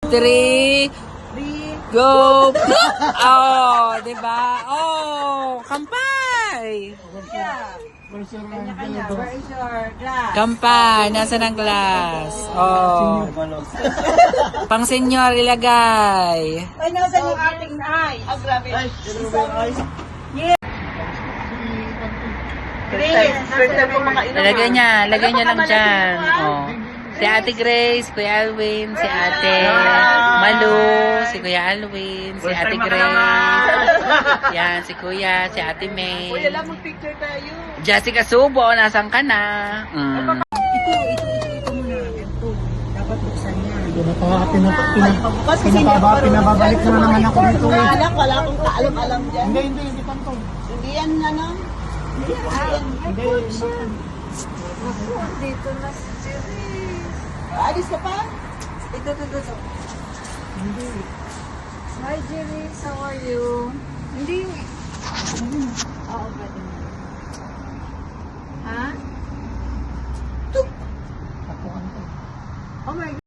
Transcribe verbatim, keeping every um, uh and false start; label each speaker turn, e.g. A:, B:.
A: three, go! Oh, diba? Oh, kampay!
B: Kanya-kanya. Where is your glass?
A: Kampay, nasa ng glass? Oh. Pang senyor ilagay.
B: Ay, nasa yung ating eyes? Ah, grabe. Yes. Grace, first time ko mga inom.
A: Lagay niya, lagay niya lang dyan. Oh. Si Ate Grace, Kuya Alwin, si Ate Malu, si Kuya Alwin, si Ate Grace. Yan, si Kuya, si Ate May.
B: Kuya lang, mag-picture tayo.
A: Jessica Subo, nasan ka na? Mm.
B: Ito, ito, ito, ito muna. Ito. Dapat buksan niya.
C: Pinapabukas kasi hindi ako marunong. Pinababalik na naman ako dito.
B: Wala, wala akong kaalam-alam dyan.
C: Hindi, hindi, hindi tanto.
B: Hindi yan, ano? Hindi yan.
C: Hindi,
B: Dito na si Jerry. Alis ka pa? Ito, ito, ito.
C: hindi.
B: Hi, Jerry. How are you? Hindi yung... Oo, pwede. Ha?
C: Tapuan ko.
B: Oh my